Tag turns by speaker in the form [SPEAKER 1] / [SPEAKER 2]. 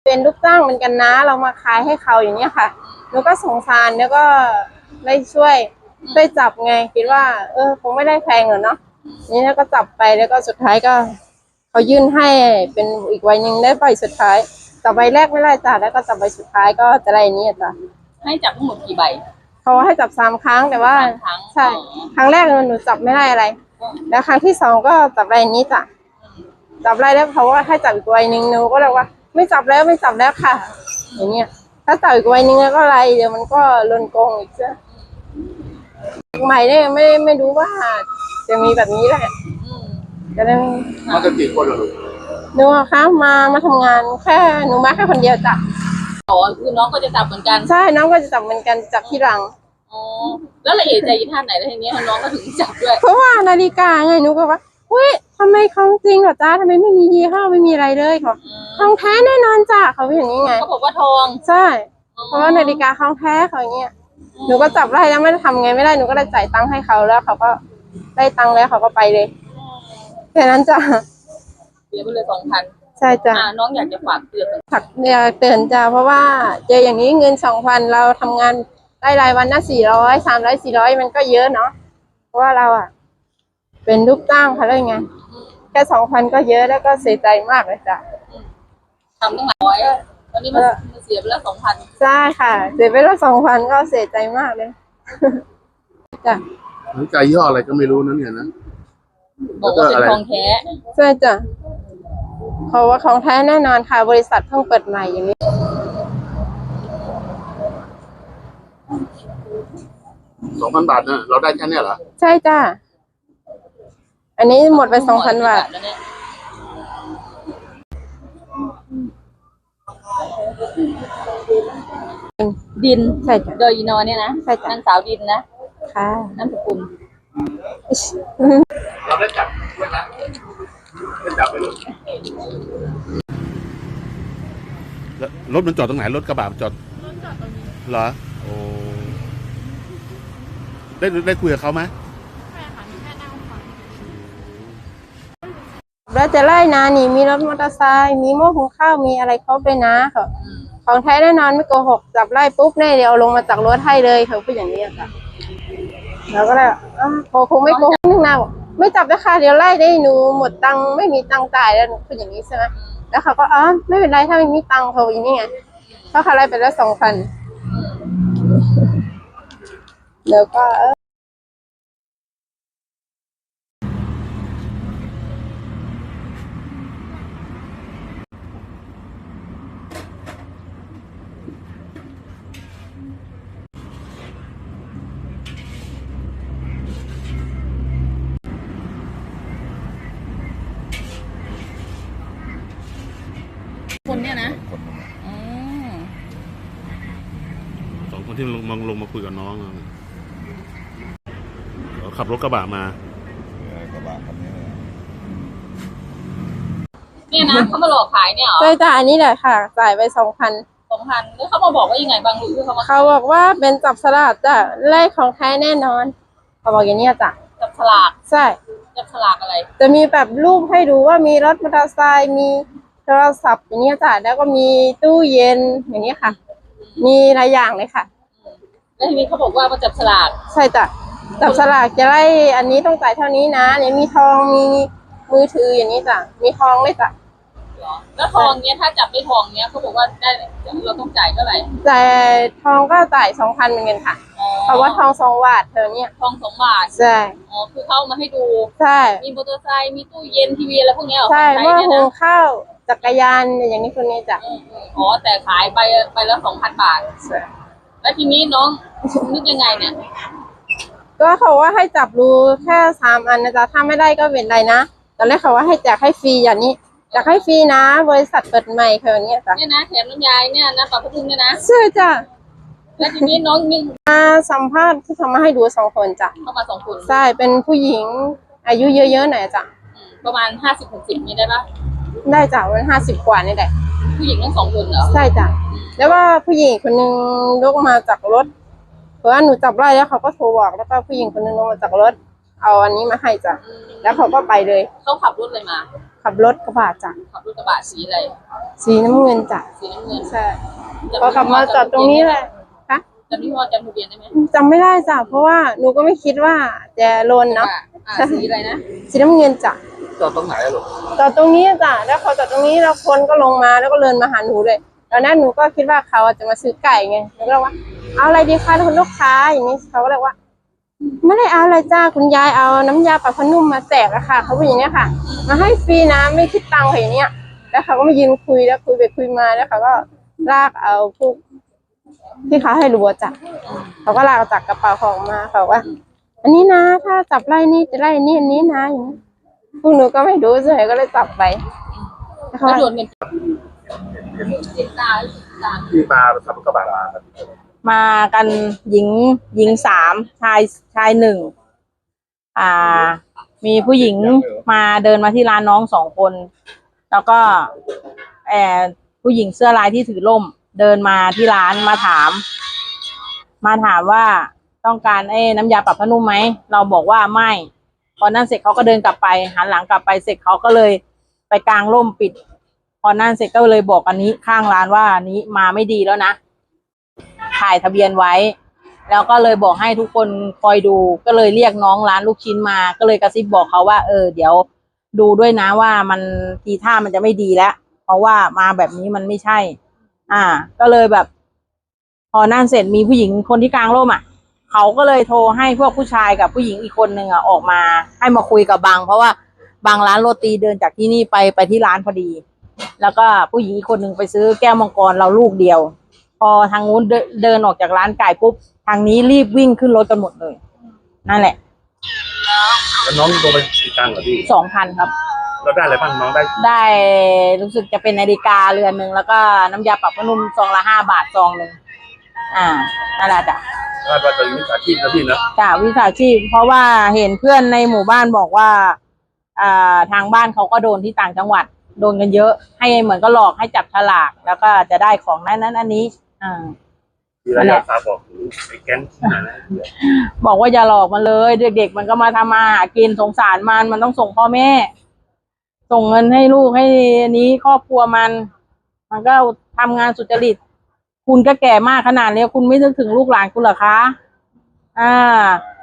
[SPEAKER 1] เป็นลูกจ้างเหมือนกันนะเรามาขายให้เขาอย่างเนี้ยค่ะหนูก็สงสารแล้วก็ได้ช่วยจับไงคิดว่าคงไม่ได้แพงหรอกเนาะนี่แล้วก็จับไปแล้วก็สุดท้ายก็เขายื่นให้เป็นอีกใบหนึ่งได้ใบสุดท้ายจับใบแรกไม่ได้จ้ะแล้วก็จับใบสุดท้ายก็จะได้นี้จ้ะ
[SPEAKER 2] ให้จับทั้งหมดกี่ใบ
[SPEAKER 1] เขาให้จับ3 ครั้งแต่ว่าใช่ครั้งแรกหนูจับไม่ได้อะไรแล้วครั้งที่2ก็จับใบนี้จ้ะจับได้แล้วเขาว่าให้จับอีกใบหนึ่งหนูก็เลยว่าไม่จับแล้วค่ะอย่างเงี้ยถ้าจับอีกใบหนึ่งแล้วก็อะไรเดี๋ยวมันก็ลนโกงอีกซะใหม่เนี่ยไม่รู้ว่าจะมีแบบนี้แหละจะได้
[SPEAKER 3] มากันกี่คนเหรอลูก
[SPEAKER 1] หนูคะมาทำงานแค่หนูมาแค่คนเดียวจ้ะ
[SPEAKER 2] อ๋อคือน้องก็จะจับเหมือนกัน
[SPEAKER 1] ใช่น้องก็จะจับเหมือนกันจับที่หลัง
[SPEAKER 2] อ๋อแล้วละเอียดใจอีท่าไหนแล้วทีนี้น้องก็ถึงจับด้วย
[SPEAKER 1] เพราะว่านาฬิกาไงหนูก็ว่าเฮ้ยทำไมของจริงเหรอจ้าทำไมไม่มียี่ห้อไม่มีอะไรเลยเขาทองแท้แน่นอนจ้ะเขาเป็นอย่างนี้ไง
[SPEAKER 2] เขาบอกว่าทอง
[SPEAKER 1] ใช่เพราะว่านาฬิกาของแท้เขาอย่างเงี้ยหนูก็จับได้แล้วไม่ได้ทำไงไม่ได้หนูก็ได้จ่ายตังค์ให้เขาแล้วเขาก็ได้ตังค์แล้วเขาก็ไปเลยแค่นั้นจ้ะ
[SPEAKER 2] เสียไปเลย2,000
[SPEAKER 1] ใช่จ้ะ
[SPEAKER 2] น้องอยากจะฝากเตือน
[SPEAKER 1] อยากเตือนจ้ะเพราะว่าเจออย่างนี้เงิน2,000เราทำงานได้รายวันละ400 300 400มันก็เยอะเนาะเพราะว่าเราเป็นลูกจ้างเขาเลยไงแค่2,000ก็เยอะแล้วก็เสียใจมากเลยจ้ะ
[SPEAKER 2] ทำตั้งหลายร้อยตอนนี้มันเสียไปแล้ว2,000
[SPEAKER 1] ใช่ค่ะเสียไปแล้ว2,000ก็เสียใจมากเลยจ้ะ
[SPEAKER 3] นาฬิกายี่ห้ออะไรก็ไม่รู้นั่นเนี่ยนะ
[SPEAKER 2] บอกว่าเป็นทองแท้
[SPEAKER 1] ใช่จ้ะเขาว่าของแท้แน่นอนค่ะบริษัทเพิ่งเปิดใหม่อย่างนี้
[SPEAKER 3] 2,000 บาทเนี่ยเราได้แค่นี้เหรอ
[SPEAKER 1] ใช่จ้ะอันนี้หมดไป2,000 บาท
[SPEAKER 2] ดิน
[SPEAKER 1] ใช่จ้ะ
[SPEAKER 2] โดยอีนอเนี่ยนะ
[SPEAKER 1] ใช่จ้ะ
[SPEAKER 2] นางสาวดินนะ
[SPEAKER 1] ค่ะ
[SPEAKER 2] นามสกุล
[SPEAKER 3] เราได้จับด้วยนะได้จับไปเลยรถมันจอดตรงไหนรถกระบะจอดตรงนี้เหรอโอ้ได้คุยกับเขาไหม
[SPEAKER 1] ใช่ค่ะแค่นั่งฟังแล้วจะไล่นะนี่มีรถมอเตอร์ไซค์มีหม้อหุงข้าวมีอะไรครบเลยนะค่ะของแท้แน่นอนไม่โกหกจับไล่ปุ๊บแน่เดี๋ยวลงมาจากรถให้เลยเขาพูดอย่างนี้ค่ะแล้วก็เลยคงไม่โกหกนึงนะไม่จับนะคะเดี๋ยวไล่ได้หนูหมดตังค์ไม่มีตังค์จ่ายแล้วหนูพูดอย่างนี้ใช่ไหมแล้วเขาก็ไม่เป็นไรถ้าไม่มีตังค์เขาอย่างนี้ไงเพราะเขาไล่ไปแล้ว2,000แล้วก็
[SPEAKER 2] คนเนี่ยนะ
[SPEAKER 3] 2 คนที่ลงมาคุยกับน้องขับรถกระบะมากระบะคันนี้
[SPEAKER 2] เนี่ยนะเขามาหลอกขายเนี่ยเหรอ
[SPEAKER 1] ใช่จ้ะอันนี้แหละค่ะจ่ายไป2,000
[SPEAKER 2] แล้วเขามาบอกว่ายังไงบางหรือ
[SPEAKER 1] เขาบอกว่าเป็นจับสลากจ้ะไล่ของแท้แน่นอนเขาบอกอย่างนี้จ้ะ
[SPEAKER 2] จับฉลาก
[SPEAKER 1] ใช่
[SPEAKER 2] จับฉลากอะไร
[SPEAKER 1] จะมีแบบรูปให้ดูว่ามีรถมอเตอร์ไซค์มีโทรศัพท์อย่างนี้จ้ะแล้วก็มีตู้เย็นอย่างนี้ค่ะมีหลายอย่างเลยค่ะ
[SPEAKER 2] แล้วทีนี้เขาบอกว่ามาจับฉลาก
[SPEAKER 1] ใช่จ้ะจับฉลากจะได้อันนี้ต้องจ่ายเท่านี้นะเนี่ยมีทองมีมือถืออย่างนี้จ้ะมีทองเลยจ้ะ
[SPEAKER 2] แล้วทองเนี้ยถ้าจับได้ทองเนี้ยเขาบอกว่าได้เราต้องจ่ายเท่าไหร่
[SPEAKER 1] จ่ายทองก็จ่าย2,000เหมือนกันค่ะเพราะว่าทอง2 บาทเธอเนี่ย
[SPEAKER 2] ทอง2 บาท
[SPEAKER 1] ใช่
[SPEAKER 2] คือเข้ามาให้ดู
[SPEAKER 1] ใช่
[SPEAKER 2] มีมอเตอร์ไซค์มีตู้เย็นทีวีอะไรพวกนี้
[SPEAKER 1] ใช่เมื่อหุงข้าวจักรยานอย่างนี้คนนี้จ้ะ
[SPEAKER 2] แต่ขายไปแล้ว2,000 บาทแล้วทีนี้น้องนึกยังไงเนี่ย
[SPEAKER 1] ก็เขาว่าให้จับรูแค่3 อันนะจ๊ะถ้าไม่ได้ก็เป็นไรนะตอนแรกเขาว่าให้แจกให้ฟรีอย่างนี้อยากให้ฟรีนะบริษัทเปิดใหม่เขาอย่างเงี้ยจ้ะ
[SPEAKER 2] เนี่ยนะแถมน้ำยายเนี่ยนะปลาพะพุงเนี่ยนะ
[SPEAKER 1] ใช่จ้ะ
[SPEAKER 2] แล้วทีนี้น้องนึง
[SPEAKER 1] มาสัมภาษณ์ที่เขามาให้ดู2 คนจ้ะ
[SPEAKER 2] เข้ามา2 คน
[SPEAKER 1] ใช่เป็นผู้หญิงอายุเยอะๆหน่อยจ้ะ
[SPEAKER 2] ประมาณ50-60นี่ได้ปะ
[SPEAKER 1] ได้จ้ะวัน50 กว่านี่แหละ
[SPEAKER 2] ผู้หญิงทั้ง2 คนเหรอ
[SPEAKER 1] ใช่จ้ะแล้วว่าผู้หญิงคนนึงลุกมาจากรถเพราะว่าหนูจับไล่แล้วเขาก็โทรบอกแล้วก็ผู้หญิงคนนึงลงมาจากรถเอาอันนี้มาให้จ้ะแล้วเขาก็ไปเลย
[SPEAKER 2] เขาขับรถเลยมา
[SPEAKER 1] เขขับรถกระบะจ้ะ
[SPEAKER 2] ขับรถกระบะสีอะไร
[SPEAKER 1] สีน้ำเงินจ้ะ
[SPEAKER 2] สีน้ำเงิน
[SPEAKER 1] ใช่พอกลับมาจอดตรงนี้เลยคะ
[SPEAKER 2] จำยี่ห้อจำทะเบียนได้ไหม
[SPEAKER 1] จำไม่ได้จ้ะเพราะว่าหนูก็ไม่คิดว่าจะโลนเนาะ
[SPEAKER 2] สีอะไรนะ
[SPEAKER 1] สีน้ำเงินจ้ะ
[SPEAKER 3] จอดตรงไหนอะลูก
[SPEAKER 1] จอดตรงนี้จ้ะแล้วพอจอดตรงนี้แล้วคนก็ลงมาแล้วก็เดินมาหาหนูเลยตอนนั้นหนูก็คิดว่าเขาจะมาซื้อไก่ไงหนูก็เลยว่าเอาอะไรดีคะคุณลูกค้าอย่างนี้เขาก็เลยว่า ไม่ได้เอาอะไรจ้าคุณยายเอาน้ำยาปรับผ้านุ่มมาแจกอะค่ะเขาเป็นอย่างนี้ค่ะ มาให้ฟรีนะไม่คิดตังค์ค่ะอย่างเนี้ยแล้วเขาก็มายืนคุยแล้วคุยไปคุยมาแล้วเขาก็ลากเอาพวกที่เขาให้รู้จ้ะเขาก็ลากจากกระเป๋าของมาเขาว่า อันนี้นะถ้าจับไล่นี่จะไล่นี่อันนี้นะอย่างนี้พวกหนูก็ไม่รู้เฉยก็เลยจับไปแล้วเขา
[SPEAKER 2] แล้ว
[SPEAKER 1] ว่า
[SPEAKER 2] โดนเงินติดตา
[SPEAKER 3] ที่มาขับรถกระบะมาครับ
[SPEAKER 4] มากันหญิงสามชายหนึ่งมีผู้หญิงมาเดินมาที่ร้านน้องสองคน แล้วก็ผู้หญิงเสื้อลายที่ถือร่ม เดินมาที่ร้านมาถามว่าต้องการน้ำยาปรับผ้านุ่มไหมเราบอกว่าไม่พอนั่นเสร็จเขาก็เดินกลับไปหันหลังกลับไปเสร็จเขาก็เลยไปกางร่มปิด พอนั่นเสร็จก็เลยบอกอันนี้ข้างร้านว่าอันนี้มาไม่ดีแล้วนะถ่ายทะเบียนไว้ แล้วก็เลยบอกให้ทุกคนคอยดูก็เลยเรียกน้องร้านลูกชิ้นมาก็เลยกระซิบบอกเขาว่าเดี๋ยวดูด้วยนะว่ามันทีท่ามันจะไม่ดีแล้วเพราะว่ามาแบบนี้มันไม่ใช่ ก็เลยแบบ พอนั่นเสร็จมีผู้หญิงคนที่กลางร่มเขาก็เลยโทรให้พวกผู้ชายกับผู้หญิงอีกคนนึงออกมาให้มาคุยกับบางเพราะว่าบางร้านโรตีเดินจากที่นี่ไปที่ร้านพอดี แล้วก็ผู้หญิงอีกคนนึงไปซื้อแก้วมังกรเราลูกเดียวพอทางนู้นเดินออกจากร้านไก่ปุ๊บทางนี้รีบวิ่งขึ้นรถกันหมดเลยนั่นแหละ
[SPEAKER 3] แล้วน้องโดนไปกี่ตังค์เหรอพี่
[SPEAKER 4] 2,000 ครับ
[SPEAKER 3] เราได้อะไรบ้างน้องได้
[SPEAKER 4] ได้รู้สึกจะเป็นนาฬิกาเรือนหนึ่งแล้วก็น้ำยาปรับผ้านุ่มซองละ5 บาทซองหนึ่งนั่นแหละจ้ะ
[SPEAKER 3] คาดว่าจะมีอาชีพนะพี่นะ
[SPEAKER 4] จ้ะวิชาชีพเพราะว่าเห็นเพื่อนในหมู่บ้านบอกว่าทางบ้านเขาก็โดนที่ต่างจังหวัดโดนกันเยอะให้เหมือนก็หลอกให้จับฉลากแล้วก็จะได้ของนั้นอันนี้
[SPEAKER 3] ที่เราอยากฝากบอกถึงไอ้แก๊งที่ไหนนะ
[SPEAKER 4] บอกว่าอย่าหลอกมันเลยเด็กๆมันก็มาทำมาหากินสงสารมันต้องส่งพ่อแม่ ส่งเงินให้ลูกให้นี้ครอบครัวมันก็ทำงานสุจริตคุณก็แก่มากขนาดนี้คุณไม่นึกถึงลูกหลานคุณเหรอคะ